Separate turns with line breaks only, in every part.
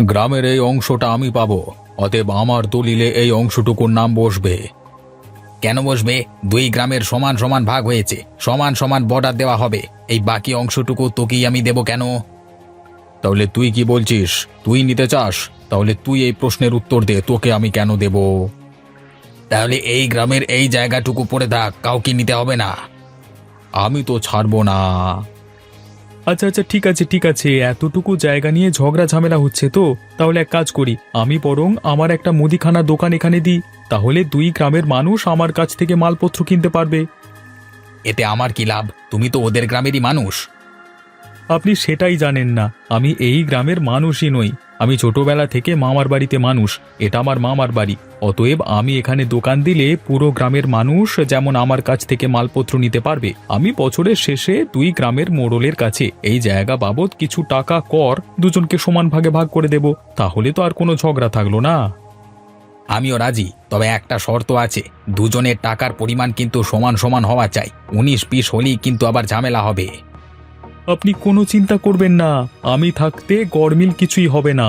গ্রামের এই অংশটা আমি পাবো, অতএব আমার দলিলে এই অংশটুকুর নাম বসবে। কেন বসবে? দুই গ্রামের সমান সমান ভাগ হয়েছে, সমান সমান বর্ডার দেওয়া হবে। এই বাকি অংশটুকু তোকেই আমি দেব কেন? তাহলে তুই কি বলছিস? তুই নিতে চাস? তাহলে তুই এই প্রশ্নের উত্তর দে, তোকে আমি কেন দেব? তাহলে এই গ্রামের এই জায়গাটুকু পড়ে থাক, কাউকে নিতে হবে না। আমি তো ছাড়বো না।
আচ্ছা আচ্ছা, ঠিক আছে, এতটুকু জায়গা নিয়ে ঝগড়া ঝামেলা হচ্ছে তো। তাহলে এক কাজ করি, আমি বরং আমার একটা মুদিখানা দোকান এখানে দিই, তাহলে দুই গ্রামের মানুষ আমার কাছ থেকে মালপত্র কিনতে পারবে।
এতে আমার কি লাভ? তুমি তো ওদের গ্রামেরই মানুষ।
আপনি সেটাই জানেন না, আমি এই গ্রামের মানুষই নই। আমি ছোটবেলা থেকে মামার বাড়িতে মানুষ, এটা আমার মামার বাড়ি। অতএব আমি এখানে দোকান দিলে পুরো গ্রামের মানুষ যেমন আমার কাছ থেকে মালপত্র নিতে পারবে। আমি বছরের শেষে দুই গ্রামের মোড়লের কাছে এই জায়গা বাবদ কিছু টাকা কর দুজনকে সমান ভাগে ভাগ করে দেব, তাহলে তো আর কোনো ঝগড়া থাকলো না।
আমিও রাজি, তবে একটা শর্ত আছে, দুজনের টাকার পরিমাণ কিন্তু সমান সমান হওয়া চাই। 19-20 হলেই কিন্তু আবার ঝামেলা হবে।
আপনি কোনো চিন্তা করবেন না, আমি থাকতে গরমিল কিছুই হবে না।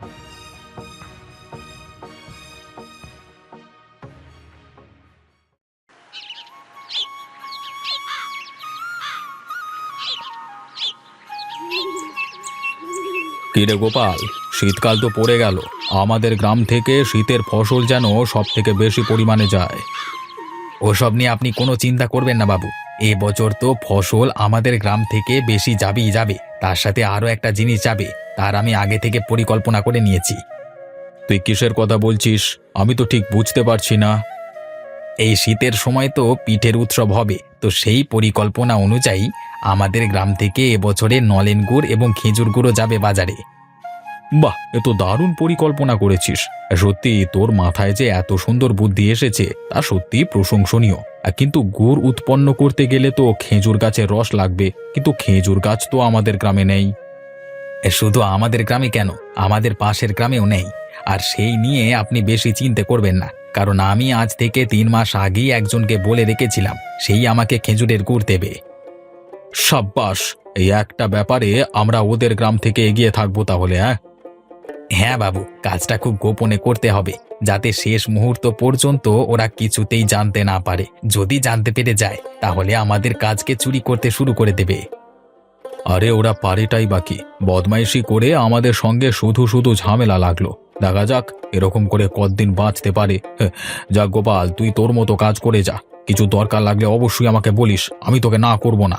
কিরে গোপাল, শীতকাল তো পড়ে গেল, আমাদের গ্রাম থেকে শীতের ফসল যেন সব থেকে বেশি পরিমাণে যায়। ওসব নিয়ে আপনি কোনো চিন্তা করবেন না বাবু, এবছর তো ফসল আমাদের গ্রাম থেকে বেশি যাবেই যাবে, তার সাথে আরও একটা জিনিস যাবে, তার আমি আগে থেকে পরিকল্পনা করে নিয়েছি। তুই কিসের কথা বলছিস? আমি তো ঠিক বুঝতে পারছি না। এই শীতের সময় তো পিঠের উৎসব হবে, তো সেই পরিকল্পনা অনুযায়ী আমাদের গ্রাম থেকে এবছরে নলেন গুড় এবং খেজুর গুঁড়ো যাবে বাজারে। বাহ, এ তো দারুণ পরিকল্পনা করেছিস। সত্যি তোর মাথায় যে এত সুন্দর বুদ্ধি এসেছে তা সত্যি প্রশংসনীয়। কিন্তু গুড় উৎপন্ন করতে গেলে তো খেজুর গাছের রস লাগবে, কিন্তু খেজুর গাছ তো আমাদের গ্রামে নেই। শুধু আমাদের গ্রামে কেন, আমাদের পাশের গ্রামেও নেই। আর সেই নিয়ে আপনি বেশি চিন্তা করবেন না, কারণ আমি আজ থেকে 3 মাস আগেই একজনকে বলে রেখেছিলাম, সেই আমাকে খেজুরের গুড় দেবে। সাব্বাস, এই একটা ব্যাপারে আমরা ওদের গ্রাম থেকে এগিয়ে থাকবো তাহলে। হ্যাঁ বাবু, কাজটা খুব গোপনে করতে হবে, যাতে শেষ মুহূর্ত পর্যন্ত ওরা কিছুতেই জানতে না পারে। যদি জানতে পেরে যায় তাহলে আমাদের কাজকে চুরি করতে শুরু করে দেবে। আরে ওরা পারেটাই বাকি, বদমাইশি করে আমাদের সঙ্গে শুধু শুধু ঝামেলা লাগলো। দেখা যাক এরকম করে কতদিন বাঁচতে পারে। যাক গোপাল, তুই তোর মতো কাজ করে যা, কিছু দরকার লাগলে অবশ্যই আমাকে বলিস, আমি তোকে না করব না।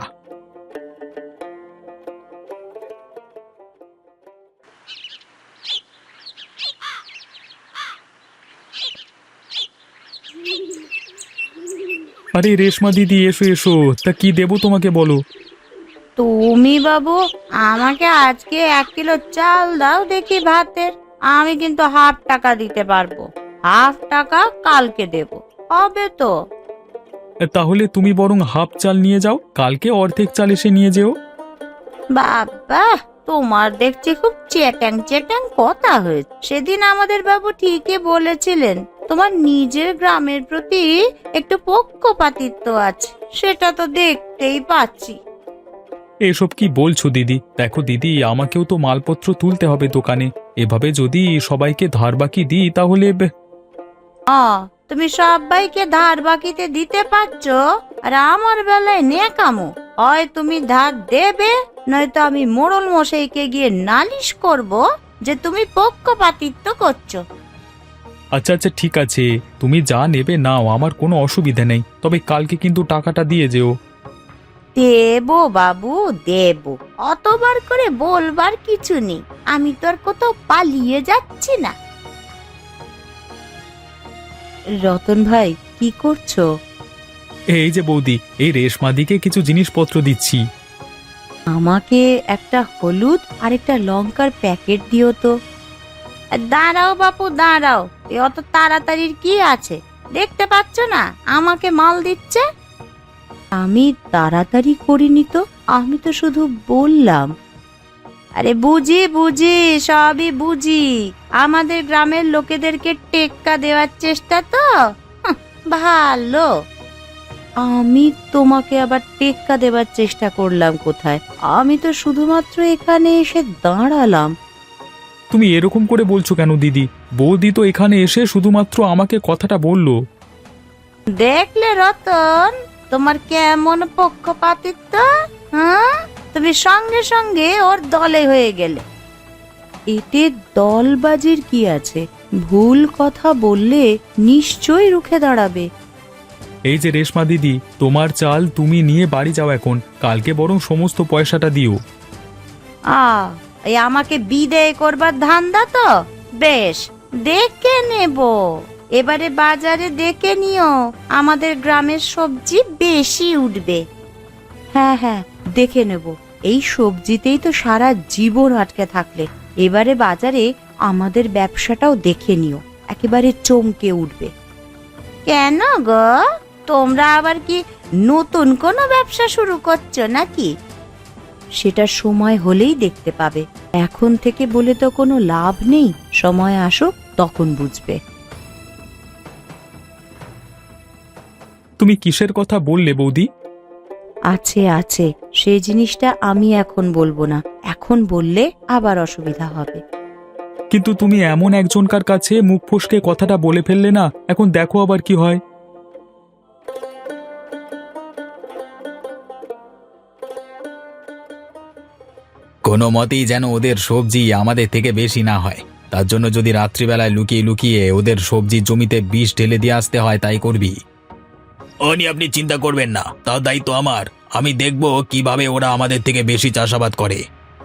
আরে রেশমা দিদি, এসো এসো, তা কি দেবো তোমাকে বলো।
তুমি বাবু আমাকে আজকে 1 কিলো চাল দাও দেখি ভাতের। আমি কিন্তু হাফ টাকা দিতে পারবো, হাফ টাকা কালকে দেব, হবে তো?
তাহলে তুমি বরং হাফ চাল নিয়ে যাও, কালকে অর্ধেক চাল এসে নিয়ে যেও।
বাবা, তোমার দেখছি খুব চেটাং চেটাং কথা হয়েছে। সেদিন আমাদের বাবু ঠিকই বলেছিলেন তোমার নিজের গ্রামের প্রতি একটু পক্ষপাতিত্ব আছে, সেটা তো দেখতেই পাচ্ছি।
এসব কি বলছো দিদি? দেখো দিদি, আমাকেও তো মালপত্র তুলতে হবে দোকানে, এভাবে যদি সবাইকে ধার বাকি দিই তাহলে
তুমি সবাইকে ধার বাকিতে দিতে পারছো, আর আমার বেলায় নেকামো। হয় তুমি ধার দেবে, নয়তো আমি মোড়ল মশাইকে গিয়ে নালিশ করব যে তুমি পক্ষপাতিত্ব করছো।
আচ্ছা আচ্ছা, ঠিক আছে, তুমি যা নেবে নাও, আমার কোনো অসুবিধা নেই, তবে কালকে কিন্তু টাকাটা দিয়ে যেও।
দেবো বাবু দেবো, অতবার করে বলবার কিছু নেই, আমি তো আর কোথাও পালিয়ে যাচ্ছি না। রতন ভাই, কি করছো?
এই যে বৌদি, এই রেশমাদিকে কিছু জিনিসপত্র দিচ্ছি।
আমাকে একটা হলুদ আর একটা লঙ্কার প্যাকেট দিও তো। দাঁড়াও বাপু দাঁড়াও, অত তাড়াতাড়ির কি আছে? দেখতে পাচ্ছ না আমাকে মাল দিচ্ছে? আমি তাড়াতাড়ি করিনি তো, আমি তো শুধু বললাম। আরে বুঝি বুঝি, সবই বুঝি, আমাদের গ্রামের লোকেদেরকে টেক্কা দেওয়ার চেষ্টা তো। ভালো, আমি তোমাকে আবার টেক্কা দেবার চেষ্টা করলাম কোথায়? আমি তো শুধুমাত্র এখানে এসে দাঁড়ালাম।
তুমি এরকম করে বলছো কেন দিদি? বৌদি তো এখানে এসে শুধুমাত্র আমাকে কথাটা বলল।
দেখলে রতন, তোমার কেমন পক্ষপাতিত্ব। হ্যাঁ, তুমি সঙ্গে সঙ্গে ওর দলে হয়ে গেলে। এতে দলবাজির কি আছে? ভুল কথা বললে নিশ্চয়ই রুখে দাঁড়াবে।
এই যে রেশমা দিদি, তোমার চাল তুমি নিয়ে বাড়ি যাও এখন, কালকে বরং সমস্ত পয়সাটা দিও।
এই আমাকে বিদেয় করবার ধান্দা তো? বেশ, দেখে নেব। এবারে বাজারে দেখে নিও, আমাদের গ্রামের সবজি বেশি উঠবে। হ্যাঁ হ্যাঁ, দেখে নেব। এই সবজিতেই তো সারা জীবন আটকে থাকলে এবারে বাজারে আমাদের ব্যবসাটাও দেখে নিও, একেবারে চমকে উঠবে। কেন গো, তোমরা আবার কি নতুন কোনো ব্যবসা শুরু করছো নাকি? সেটা সময় হলেই দেখতে পাবে, এখন থেকে বলে তো কোনো লাভ নেই। সময় আসুক, তখন বুঝবে।
তুমি কিসের কথা বললে বৌদি?
আছে আছে, সেই জিনিসটা আমি এখন বলবো না। এখন বললে আবার অসুবিধা হবে।
কিন্তু তুমি এমন একজনকার কাছে মুখ ফসকে কথাটা বলে ফেললে না, এখন দেখো আবার কি হয়।
কোনো মতেই যেন ওদের সবজি আমাদের থেকে বেশি না হয়, তার জন্য যদি রাত্রিবেলায় লুকিয়ে লুকিয়ে ওদের সবজির জমিতে বিষ ঢেলে দিয়ে আসতে হয় তাই করবি। ও নিয়ে আপনি চিন্তা করবেন না, তার দায়িত্ব আমার। আমি দেখব কিভাবে ওরা আমাদের থেকে বেশি চাষাবাদ করে।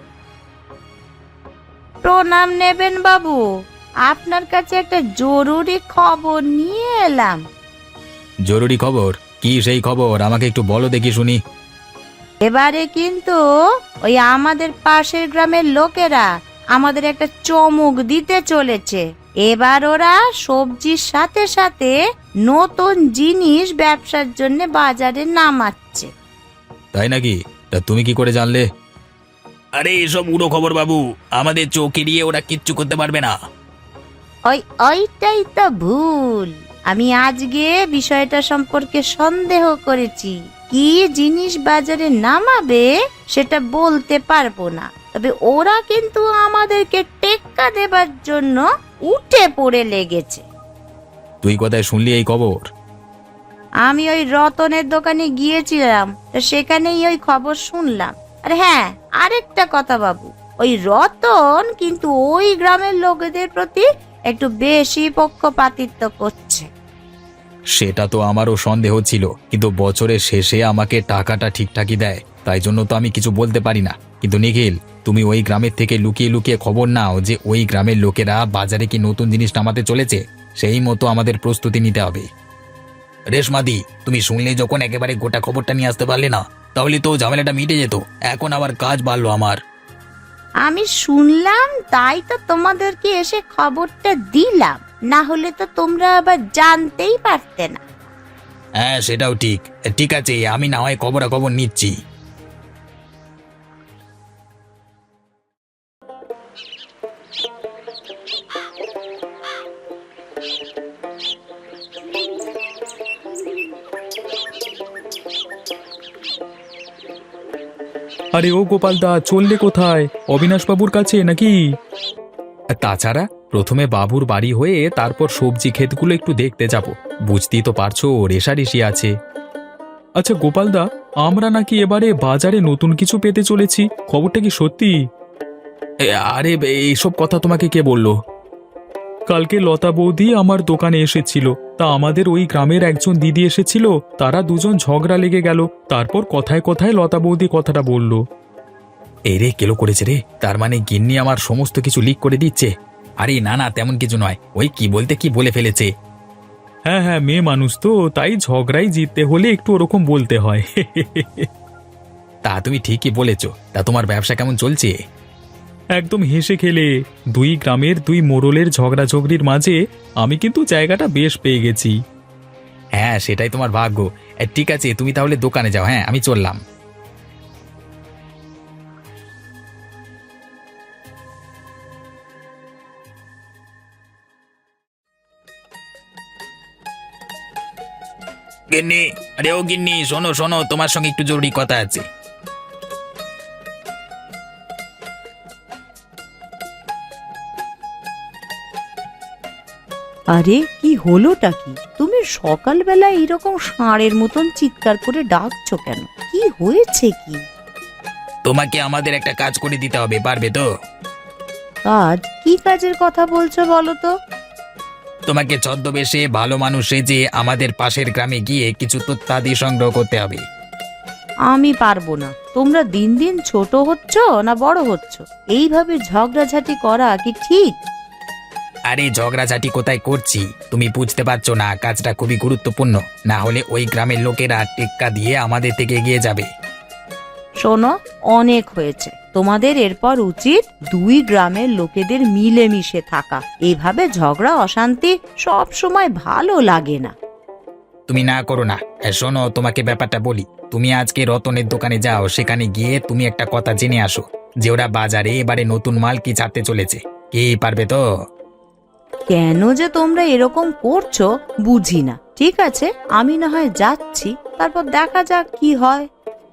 প্রণাম নেবেন বাবু, আপনার কাছে একটা জরুরি খবর নিয়ে এলাম।
জরুরি খবর? কি সেই খবর, আমাকে একটু বলো দেখি শুনি।
এবারে কিন্তু ওই আমাদের পাশের গ্রামের লোকেরা আমাদের একটা চমক দিতে চলেছে। এবার ওরা সবজির সাথে সাথে নতুন জিনিস ব্যবসার জন্য বাজারে নামাচ্ছে।
তাই নাকি? তা তুমি কি করে জানলে? আরে এসব উড়ো খবর বাবু, আমাদের চোখ এড়িয়ে ওরা কিচ্ছু করতে পারবে না।
ওইটাই তো ভুল। আমি আজকে বিষয়টা সম্পর্কে সন্দেহ করেছি। কি জিনিস বাজারে নামাবে সেটা বলতে পারবো না, তবে ওরা কিন্তু আমাদেরকে টেক্কা দেবার জন্য উঠে পড়ে লেগেছে।
তুই কোথায় শুনলি এই খবর?
আমি ওই রতনের দোকানে গিয়েছিলাম, তা সেখানেই ওই খবর শুনলাম। আর হ্যাঁ, আরেকটা কথা বাবু, ওই রতন কিন্তু ওই গ্রামের লোকেদের প্রতি একটু বেশি পক্ষপাতিত্ব করছে।
সেটা তো আমারও সন্দেহ ছিল, কিন্তু বছরের শেষে আমাকে টাকাটা ঠিকঠাকই দেয়, তাই জন্য তো আমি কিছু বলতে পারি না। কিন্তু নিখিল, তুমি ওই গ্রামের থেকে লুকিয়ে লুকিয়ে খবর নাও যে ওই গ্রামের লোকেরা বাজারে কি নতুন জিনিস নামাতে চলেছে, সেই মতো আমাদের প্রস্তুতি নিতে হবে। রেশমাদি, তুমি শুনলে যখন একেবারে গোটা খবরটা নিয়ে আসতে পারলে না, তাহলে তো ঝামেলাটা মিটে যেত। এখন আবার কাজ বাড়লো আমার।
আমি শুনলাম তাই তো তোমাদেরকে এসে খবরটা দিলাম, না হলে তো তোমরা আবার জানতেই পারতে না।
হ্যাঁ, সেটাও ঠিক। ঠিক আছে, আমি না হয় খবরাখবর নিচ্ছি।
আরে ও গোপালদা, চললে কোথায়? অবিনাশবাবুর কাছে নাকি? তাছাড়া প্রথমে বাবুর বাড়ি হয়ে তারপর সবজি ক্ষেতগুলো একটু দেখতে যাব। বুঝতেই তো পারছো, রেশারেশি আছে। আচ্ছা গোপালদা, আমরা নাকি এবারে বাজারে নতুন কিছু পেতে চলেছি, খবরটা কি সত্যি? আরে এইসব কথা তোমাকে কে বললো? কালকে লতা বৌদি আমার দোকানে এসেছিল, তা আমাদের ওই গ্রামের একজন দিদি এসেছিল, তারা দুজন ঝগড়া লেগে গেল, তারপর কথায় কথায় লতা বৌদি কথাটা বলল।
এই রে, কেলো করেছে রে, তার মানে গিন্নি আমার সমস্ত কিছু লিক করে দিচ্ছে। আরে না না, তেমন কিছু নয়, ওই কি বলতে কি বলে ফেলেছে।
হ্যাঁ হ্যাঁ, মেয়ে মানুষ তো, তাই ঝগড়াই জিততে হলে একটু ওরকম বলতে হয়।
তা তুমি ঠিকই বলেছ। তা তোমার ব্যবসা কেমন চলছে?
একদম হেসে খেলে। দুই গ্রামের দুই মোড়লের ঝগড়াঝগড়ির মাঝে আমি কিন্তু জায়গাটা বেশ পেয়ে গেছি।
হ্যাঁ, সেটাই তোমার ভাগ্য। ঠিক আছে, তুমি তাহলে দোকানে যাও। হ্যাঁ, আমি চললাম। গিন্নি, আরে ও গিন্নি, শোনো শোনো, তোমার সঙ্গে একটু জরুরি কথা আছে।
আরে কি হলোটা কি? তুমি সকালবেলা এরকম ষাঁড়ের মতন চিৎকার করে ডাকছো কেন? কি হয়েছে কি?
তোমাকে আমাদের একটা কাজ করে দিতে হবে, পারবে তো?
কাজ? কি কাজের কথা বলছো বলো তো?
তোমাকে ছদ্মবেশে ভালো মানুষ সেজে আমাদের পাশের গ্রামে গিয়ে কিছু তথ্যাদি সংগ্রহ করতে হবে।
আমি পারবো না। তোমরা দিন দিন ছোট হচ্ছ না বড় হচ্ছ? এইভাবে ঝগড়াঝাটি করা কি ঠিক?
আরে ঝগড়াঝাটি কোথায় করছি, তুমি বুঝতে পারছো না? কাজটা খুবই গুরুত্বপূর্ণ, না হলে ওই গ্রামের লোকেরা টেক্কা দিয়ে আমাদের থেকে এগিয়ে যাবে।
শোনো, অনেক হয়েছে। তোমাদের এরপর উচিত দুই গ্রামের লোকেদের মিলেমিশে থাকা। এভাবে ঝগড়া অশান্তি সব সময় ভালো লাগে না।
তুমি না করো না। শোনো, তোমাকে ব্যাপারটা বলি। তুমি আজকে রতনের দোকানে যাও, সেখানে গিয়ে তুমি একটা কথা জেনে আসো যে ওরা বাজারে এবারে নতুন মাল কি ছাড়তে চলেছে। কি পারবে তো?
কেন যে তোমরা এরকম করছো বুঝি না। ঠিক আছে, আমি না হয় যাচ্ছি, তারপর দেখা যাক কি হয়।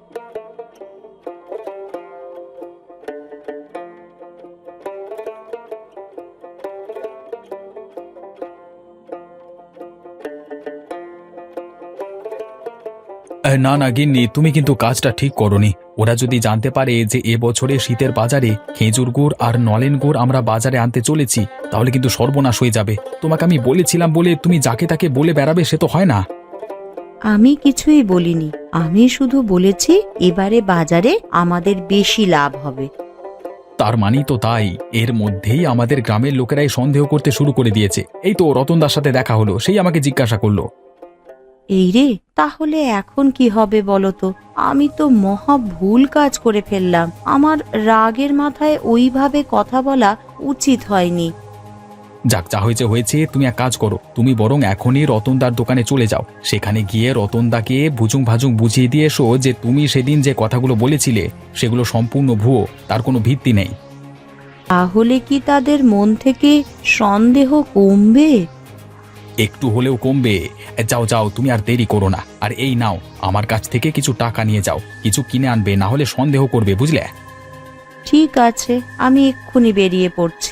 না না গিন্নি, তুমি কিন্তু কাজটা ঠিক করনি। ওরা যদি জানতে পারে যে এবছরে শীতের বাজারে খেজুর গুড় আর নলেন গুড় আমরা বাজারে আনতে চলেছি, তাহলে কিন্তু সর্বনাশ হয়ে যাবে। তোমাকে আমি বলেছিলাম বলে তুমি যাকে তাকে বলে বেড়াবে, সে তো হয় না।
আমি কিছুই বলিনি। আমি শুধু বলেছি এবারে বাজারে আমাদের বেশি লাভ হবে।
তার মানেই তো তাই। এর মধ্যেই আমাদের গ্রামের লোকেরাই সন্দেহ করতে শুরু করে দিয়েছে। এই তো রতনদার সাথে দেখা হলো, সেই আমাকে জিজ্ঞাসা করলো।
এই রে, তাহলে এখন কি হবে বলো তো? আমি তো মহা ভুল কাজ করে ফেললাম। আমার রাগের মাথায় ওইভাবে কথা বলা উচিত হয়নি।
যাক, যা হয়েছে হয়েছে। তুমি এক কাজ করো, তুমি বরং এখনই রতনদার দোকানে চলে যাও। সেখানে গিয়ে রতনদাকে ভুজুং ভাজুং বুঝিয়ে দিয়ে এসো যে তুমি সেদিন যে কথাগুলো বলেছিলে সেগুলো সম্পূর্ণ ভুয়ো, তার কোনো ভিত্তি নেই।
তাহলে কি তাদের মন থেকে সন্দেহ কমবে?
একটু হলেও কমবে। যাও যাও, তুমি আর দেরি করো না। আর এই নাও, আমার কাছ থেকে কিছু টাকা নিয়ে যাও, কিছু কিনে আনবে, না হলে সন্দেহ করবে, বুঝলে?
ঠিক আছে, আমি এক্ষুনি বেরিয়ে পড়ছি।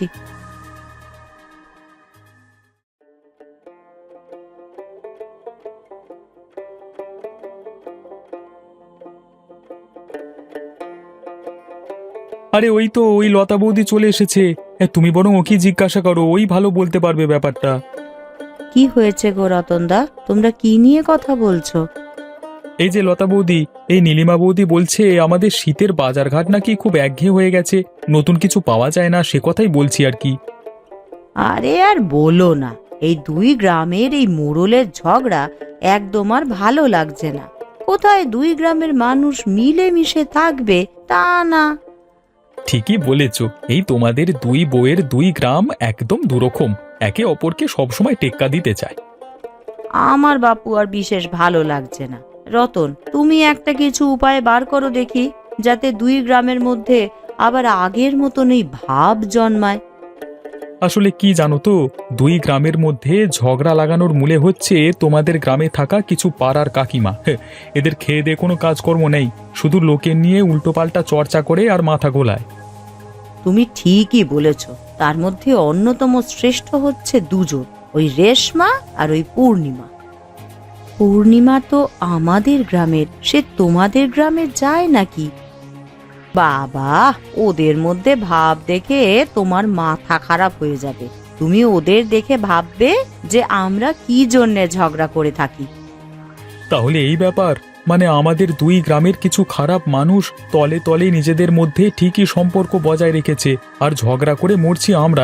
আরে ওই তো, ওই লতা বৌদি চলে এসেছে। তুমি বরং ওকে জিজ্ঞাসা করো, ওই ভালো বলতে পারবে ব্যাপারটা।
কি হয়েছে গো রতনদা? তোমরা কি নিয়ে কথা বলছো?
এই যে লতা বৌদি, এই নীলিমা বৌদি বলছে আমাদের শীতের বাজারঘাট নাকি খুব একঘেয়ে হয়ে গেছে, নতুন কিছু পাওয়া যায় না, সে কথাই বলছি আর কি।
আরে আর বলো না, এই দুই গ্রামের এই মোড়লের ঝগড়া একদম আর ভালো লাগছে না। কোথায় দুই গ্রামের মানুষ মিলেমিশে থাকবে? তা না।
ঠিকই বলেছ, এই তোমাদের দুই বউয়ের দুই গ্রাম একদম দুরকম, একে অপরকে সবসময় টেক্কা দিতে চায়।
আমার বাপু আর বিশেষ ভালো লাগছে না। রতন, তুমি একটা কিছু উপায় বার করো দেখি, যাতে দুই গ্রামের মধ্যে আবার আগের মতন এই ভাব জন্মায়।
আসলে কি জানো তো, দুই গ্রামের মধ্যে ঝগড়া লাগানোর মূলে হচ্ছে তোমাদের গ্রামে থাকা কিছু পাড়ার কাকিমা। এদের খেয়ে দিয়ে কোনো কাজকর্ম নেই, শুধু লোকের নিয়ে উল্টোপাল্টা চর্চা করে আর মাথা গোলায়।
তুমি ঠিকই বলেছ। তার মধ্যে অন্যতম শ্রেষ্ঠ হচ্ছে দুজন, ওই রেশমা আর ওই পূর্ণিমা। পূর্ণিমা তো আমাদের গ্রামের, সে তোমাদের গ্রামে যায় নাকি? বাবা, ওদের মধ্যে ভাব দেখে তোমার মাথা খারাপ হয়ে যাবে। তুমি ওদের দেখে ভাববে যে আমরা কি জন্যে ঝগড়া করে থাকি।
তাহলে এই ব্যাপার, মানে আমাদের দুই গ্রামের কিছু খারাপ মানুষ তলে তলে নিজেদের মধ্যে ঠিকই সম্পর্ক বজায় রেখেছে, আর ঝগড়া করে মরছি আমরা।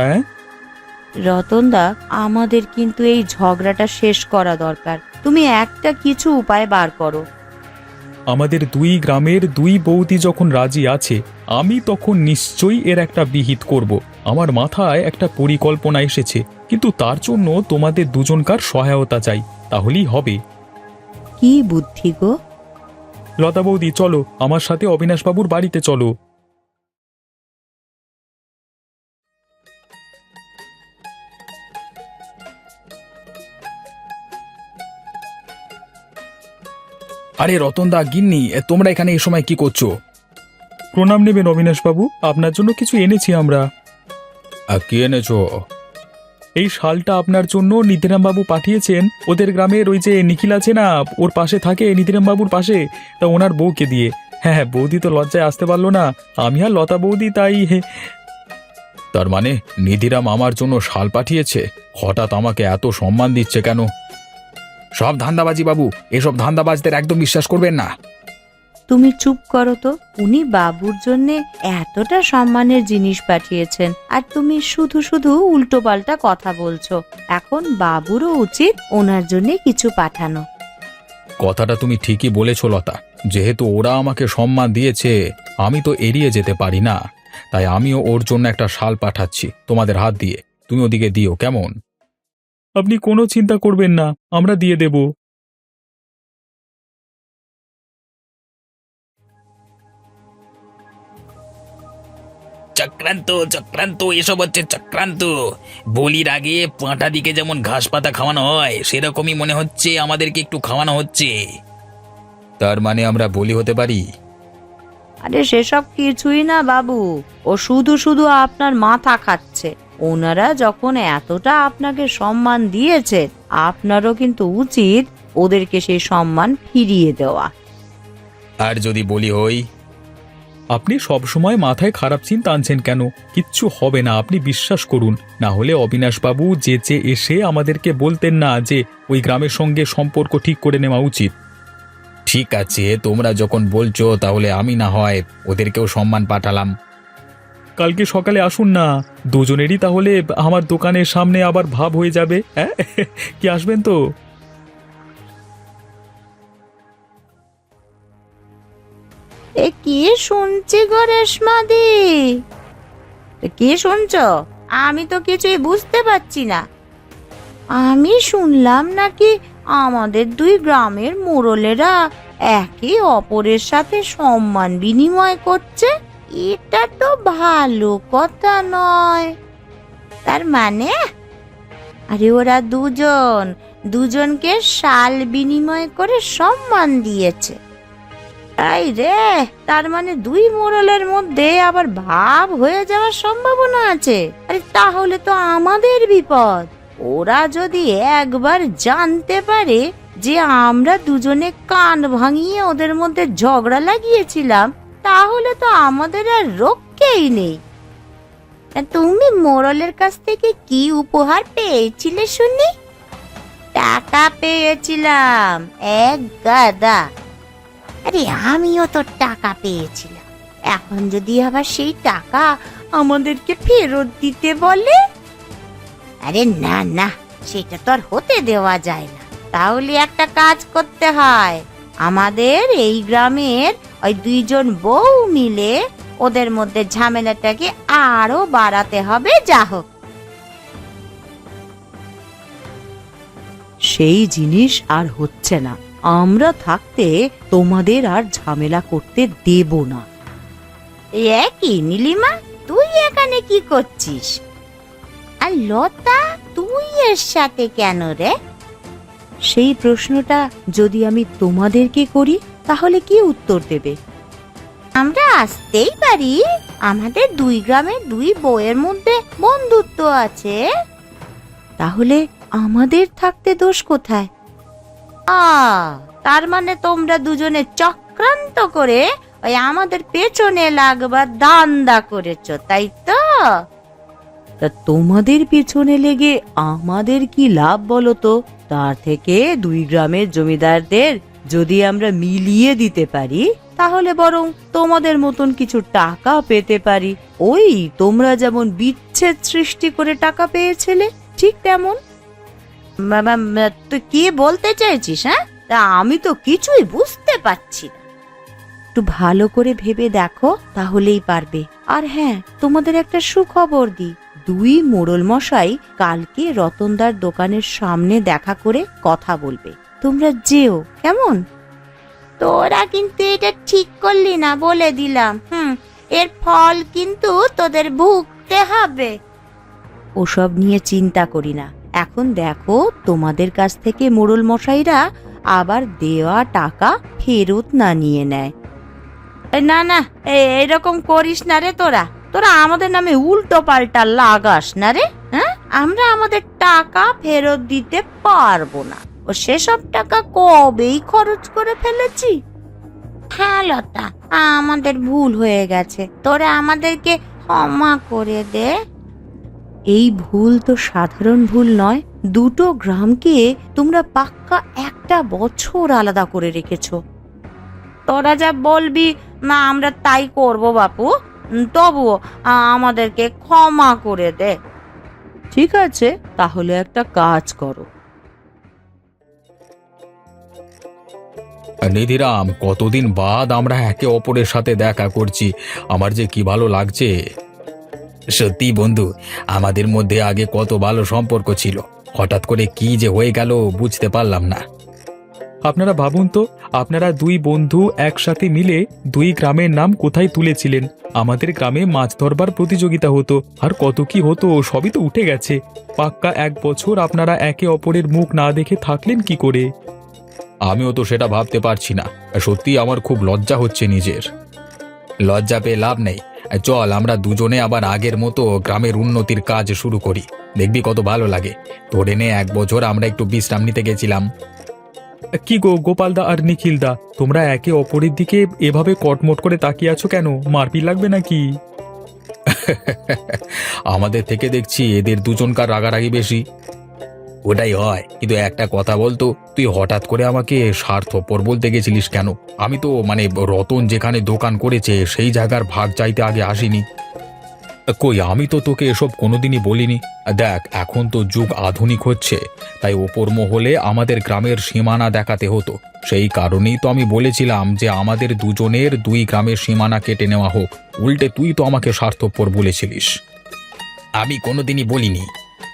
রতনদা, আমাদের কিন্তু এই ঝগড়াটা শেষ করা দরকার। তুমি একটা কিছু উপায় বার করো।
আমাদের দুই গ্রামের দুই বৌদি যখন রাজি আছে, আমি তখন নিশ্চয়ই এর একটা বিহিত করব। আমার মাথায় একটা পরিকল্পনা এসেছে, কিন্তু তার জন্য তোমাদের দুজনকার সহায়তা চাই, তাহলেই হবে।
কি বুদ্ধি গো?
লতা বৌদি, চলো আমার সাথে অবিনাশবাবুর বাড়িতে চলো। আরে রতনদা, গিন্নি, তোমরা এখানে এই সময় কি করছো? প্রণাম নেবেন অবিনাশবাবু, আপনার জন্য কিছু এনেছি আমরা। কি এনেছো? এই শালটা আপনার জন্য নিধিরাম বাবু পাঠিয়েছেন। ওদের গ্রামের ওই যে নিখিল আছে না, ওর পাশে থাকে, নিধিরাম বাবুর পাশে, তা ওনার বউকে দিয়ে। হ্যাঁ হ্যাঁ, বৌদি তো লজ্জায় আসতে পারলো না, আমি আর লতা বৌদি তাই।
তার মানে নিধিরাম আমার জন্য শাল পাঠিয়েছে? হঠাৎ আমাকে এত সম্মান দিচ্ছে কেন? সব ধান্দাবাজি বাবু, এসব ধান্দাবাজদের একদম বিশ্বাস করবেন না।
তুমি চুপ করো তো। উনি বাবুর জন্য এতটা সম্মানের জিনিস পাঠিয়েছেন, আর তুমি শুধু শুধু উল্টো পাল্টা কথা বলছো। এখন বাবুরও উচিত ওনার জন্য কিছু পাঠানো।
কথাটা তুমি ঠিকই বলেছ লতা, যেহেতু ওরা আমাকে সম্মান দিয়েছে আমি তো এড়িয়ে যেতে পারি না, তাই আমিও ওর জন্য একটা শাল পাঠাচ্ছি তোমাদের হাত দিয়ে। তুমি ওদিকে দিও, কেমন?
আপনি কোনো চিন্তা করবেন না, আমরা দিয়ে দেব।
চক্রান্ত চক্রান্ত, এসব হচ্ছে চক্রান্ত। বলির আগে পাঁঠা দিকে যেমন ঘাস পাতা খাওয়ানো হয়, সেরকমই মনে হচ্ছে আমাদেরকে একটু খাওয়ানো হচ্ছে।
তার মানে আমরা বলি হতে পারি?
আরে সেসব কিছুই না বাবু, ও শুধু শুধু আপনার মাথা খাচ্ছে। ওনারা যখন এতটা আপনাকে সম্মান দিয়েছে, আপনারও কিন্তু উচিত ওদেরকে সেই সম্মান ফিরিয়ে দেওয়া।
আর যদি বলি হই?
আপনি সবসময় মাথায় খারাপ চিন্তা আনছেন কেন? কিচ্ছু হবে না, আপনি বিশ্বাস করুন। না হলে অবিনাশবাবু যেচে এসে আমাদেরকে বলতেন না যে ওই গ্রামের সঙ্গে সম্পর্ক ঠিক করে নেওয়া উচিত।
ঠিক আছে, তোমরা যখন বলছো তাহলে আমি না হয় ওদেরকেও সম্মান পাঠালাম।
কালকে সকালে আসুন না, দুজনেরই তাহলে আমার দোকানের সামনে আবার ভাব হয়ে যাবে। হ্যাঁ, কি আসবেন তো?
এ কি শুনছি গো রেশমাদি? কি শুনছ? আমি তো কিছুই বুঝতে পারছি না। আমি শুনলাম নাকি আমাদের দুই গ্রামের মোড়লেরা একে অপরের সাথে সম্মান বিনিময় করছে। এটা তো ভালো কথা নয়। তার মানে আরে ওরা দুজনকে শাল বিনিময় করে সম্মান দিয়েছে। তাই রে, তার মানে দুই মোড়লের মধ্যে আবার ভাব হয়ে যাওয়ার সম্ভাবনা আছে। আরে তাহলে তো আমাদের বিপদ। ওরা যদি একবার জানতে পারে যে আমরা দুজনে কান ভাঙিয়ে ওদের মধ্যে ঝগড়া লাগিয়েছিলাম, তাহলে তো আমাদের আর রক্ষেই নেই। তুমি মোড়লের কাছ থেকে কি উপহার পেয়েছিলে শুনি? টাকা পেয়েছিলাম, এক গাদা। আরে আমিও তো টাকা পেয়েছিলাম। এখন যদি আবার সেই টাকা আমাদেরকে ফেরত দিতে বলে, আরে না না, সেটা তো আর হতে দেওয়া যায় না। তাহলে একটা কাজ করতে হয়, আমাদের এই গ্রামের ওই দুইজন বউ মিলে ওদের মধ্যে ঝামেলাটাকে আরো বাড়াতে হবে। যা হোক, সেই জিনিস আর হচ্ছে না। আমরা থাকতে তোমাদের আর ঝামেলা করতে দেব না। এ কি নীলিমা, তুই এখানে কি করছিস? আর লতা, তুই এর সাথে কেন রে? সেই প্রশ্নটা যদি আমি তোমাদেরকে করি তাহলে কি উত্তর দেবে? আমরা আসতেই পারি, আমাদের দুই গ্রামের দুই বউয়ের মধ্যে বন্ধুত্ব আছে। তাহলে আমাদের থাকতে দোষ কোথায়? তার মানে তোমরা দুজনে চক্রান্ত করে ওই আমাদের পেছনে লাগবার ধান্দা করেছো, তাই তো? তা তোমাদের পেছনে লেগে আমাদের কি লাভ বলো তো? তার থেকে দুই গ্রামের জমিদারদের যদি আমরা মিলিয়ে দিতে পারি, তাহলে বরং তোমাদের মতন কিছু টাকা পেতে পারি। ওই তোমরা যেমন বিচ্ছেদ সৃষ্টি করে টাকা পেয়েছিলে, ঠিক তেমন। তুই কি বলতে চাইছিস? হ্যাঁ, তা আমি তো কিছুই বুঝতে পারছি না। একটু ভালো করে ভেবে দেখো, তাহলেই পারবে। আর হ্যাঁ, তোমাদের একটা সুখবর দিই, দুই মোড়ল মশাই কালকে রতনদার দোকানের সামনে দেখা করে কথা বলবে। তোমরা যেও, কেমন? তোরা কিন্তু এটা ঠিক করলি না, বলে দিলাম। এর ফল কিন্তু তোদের ভুগতে হবে। ওসব নিয়ে চিন্তা করি না। এখন দেখো, তোমাদের কাছ থেকে মোড়ল মশাইরা আবার দেওয়া টাকা ফেরত না নিয়ে নেয়। না না, এরকম করিস না রে। তোরা আমাদের নামে উল্টো পাল্টা লাগাস না রে। হ্যাঁ, আমরা আমাদের টাকা ফেরত দিতে পারবো না। ও সেসব টাকা কবেই খরচ করে ফেলেছি। হ্যাঁ লতা, আমাদের ভুল হয়ে গেছে, তোরা আমাদেরকে ক্ষমা করে দে। এই ভুল তো সাধারণ ভুল নয়, দুটো গ্রামকে তোমরা পাক্কা একটা বছর আলাদা করে রেখেছো। তোরা যা বলবি না আমরা তাই করব বাপু, তবুও আমাদেরকে ক্ষমা করে দে। ঠিক আছে, তাহলে একটা কাজ করো।
নিধিরাম, কতদিন বাদ আমরা একে অপরের সাথে দেখা করছি, আমার যে কি ভালো লাগছে।
সত্যি বন্ধু, আমাদের মধ্যে আগে কত ভালো সম্পর্ক ছিল, হঠাৎ করে কি যে হয়ে গেল বুঝতে পারলাম না।
আপনারা ভাবুন তো, আপনারা দুই বন্ধু একসাথে মিলে দুই গ্রামের নাম কোথায় তুলেছিলেন। আমাদের গ্রামে মাছ ধরবার প্রতিযোগিতা হতো, আর কত কি হতো সবই তো উঠে গেছে। পাক্কা এক বছর আপনারা একে অপরের মুখ না দেখে থাকলেন কি করে?
আমিও তো সেটা ভাবতে পারছি না, সত্যি আমার খুব লজ্জা হচ্ছে নিজের।
লজ্জা পেয়ে লাভ নেই, চল আমরা দুজনে আবার আগের মতো গ্রামের উন্নতির কাজ শুরু করি, দেখবি কত ভালো লাগে। ধরে নে 1 বছর আমরা একটু বিশ্রাম নিতে গেছিলাম।
কি গো গোপালদা আর নিখিলদা, তোমরা একে অপরের দিকে এভাবে কটমট করে তাকিয়ে আছো কেন? মারপিট লাগবে নাকি?
আমাদের থেকে দেখছি এদের দুজনকার রাগারাগি বেশি।
ওটাই হয়, কিন্তু একটা কথা বলতো,
তুই হঠাৎ করে আমাকে স্বার্থপর বলতে গেছিলিস কেন? আমি তো রতন যেখানে দোকান করেছে সেই জায়গার ভাগ চাইতে আগে আসিনি। কই, আমি তো তোকে এসব কোনোদিনই বলিনি। দেখ, এখন তো যুগ আধুনিক হচ্ছে, তাই ওপর মহলে আমাদের গ্রামের সীমানা দেখাতে হতো। সেই কারণেই তো আমি বলেছিলাম যে আমাদের দুজনের 2 গ্রামের সীমানা কেটে নেওয়া হোক। উল্টে তুই তো আমাকে স্বার্থপর বলেছিলিস।
আমি কোনোদিনই বলিনি।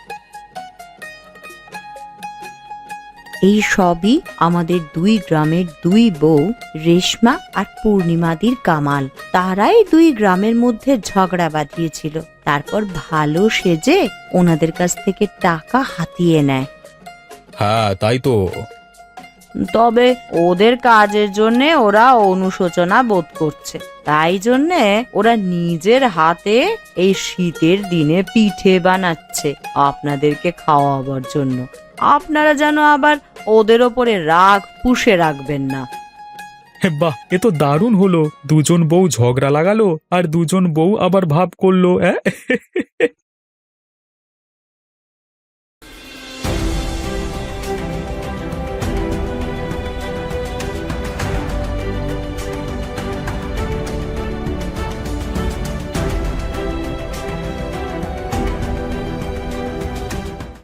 এই সবই আমাদের দুই গ্রামের দুই বউ রেশমা আর পূর্ণিমাদির কামাল। তারাই দুই গ্রামের মধ্যে ঝগড়া বাঁধিয়েছিল, তারপর ভালো সেজে ওনাদের কাছ থেকে টাকা হাতিয়ে নেয়।
হ্যাঁ, তাই তো।
তবে ওদের কাজের জন্য ওরা অনুশোচনা বোধ করছে, তাই জন্যে ওরা নিজের হাতে এই শীতের দিনে পিঠে বানাচ্ছে আপনাদেরকে খাওয়াবার জন্য। আপনারা যেন আবার ওদের ওপরে রাগ পুষে রাখবেন না।
বাহ, এ তো দারুণ হলো। দুজন বউ ঝগড়া লাগালো আর দুজন বউ আবার ভাব করলো।